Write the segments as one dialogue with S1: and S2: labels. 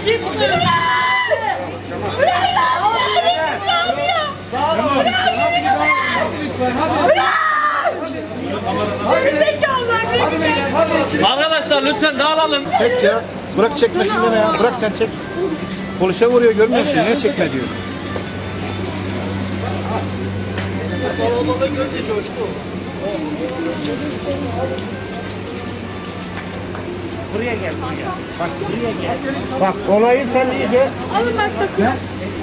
S1: Arkadaşlar lütfen dağılalım.
S2: Çek ya. Bırak çekmesin deme ya. Bırak sen çek. Polise vuruyor görmüyor musun? Niye çekme diyor.
S3: Kalabalığı görünce coştu.
S2: Buraya gel buraya. Bak buraya gel. Bak olayı sen iyice.
S4: Alın bak bakın.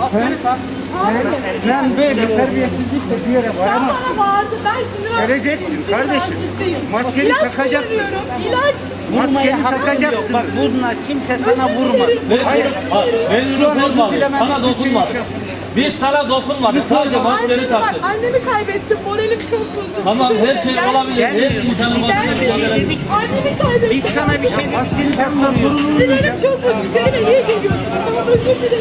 S2: Sen böyle terbiyesizlikle bir yere varamazsın.
S4: Bana vardı, ben sinir
S2: Geleceksin kardeşim. Maskeni
S4: İlaç
S2: takacaksın.
S4: kullanıyorum, İlaç.
S2: Maskeni takacaksın. Bak bunlar kimse sana vurmadı.
S1: Hayır. Benim dokunmadı. Sana dokunmadı. Biz sana dokunmadık. Sadece maskeni
S4: Annemi bak,
S1: taktık.
S4: annemi kaybettim. Moralim çok bozuldu.
S1: Tamam her şey olabilir. Her insan olabilir.
S4: Annemi kaybettim.
S2: Biz sana bir şey maskeni taksa sorun
S4: Sinirlerim çok bozuldu. Seninle niye geliyorsun? Tamam özür dilerim.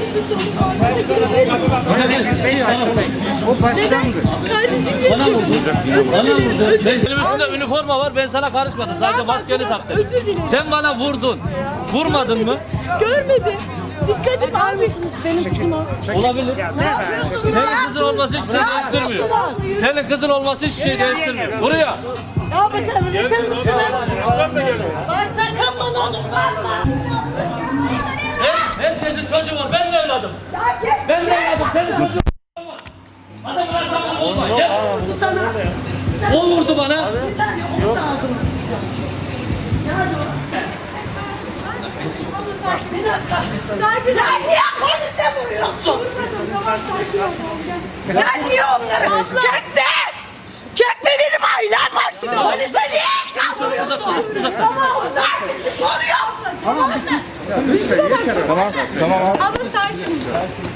S2: O başlangıç.
S4: Kardeşim
S1: Bana
S4: geliyor.
S1: vurdu. Bana vurdu. Benim üstümde üniforma var. Ben sana karışmadım. Sadece maskeni taktım.
S4: Özür dilerim.
S1: Sen bana vurdun. Vurmadın mı?
S4: Görmedim. Dikkat et abi. Benim kızım o.
S1: Olabilir.
S4: Ne yapıyorsunuz?
S1: Senin kızın olması hiçbir şey değiştirmiyor. Senin kızın olması hiçbir şey değiştirmiyor. Buraya.
S4: Ne yapacağım? Yeter misiniz? Lan sakın bana onu varma.
S1: Herkesin çocuğu var. Ben de evladım. Ben de evladım. Senin çocuğun var. Adam bana sakın olma. Gel. O vurdu bana.
S4: Bir dakika. Sen niye polise vuruyorsun? Sen niye onları çekme? Çekme benim ailem var. Polise niye kaldırıyorsun? Tamam. Ben bizi koruyor.
S2: Tamam tamam.
S4: Abla sakin.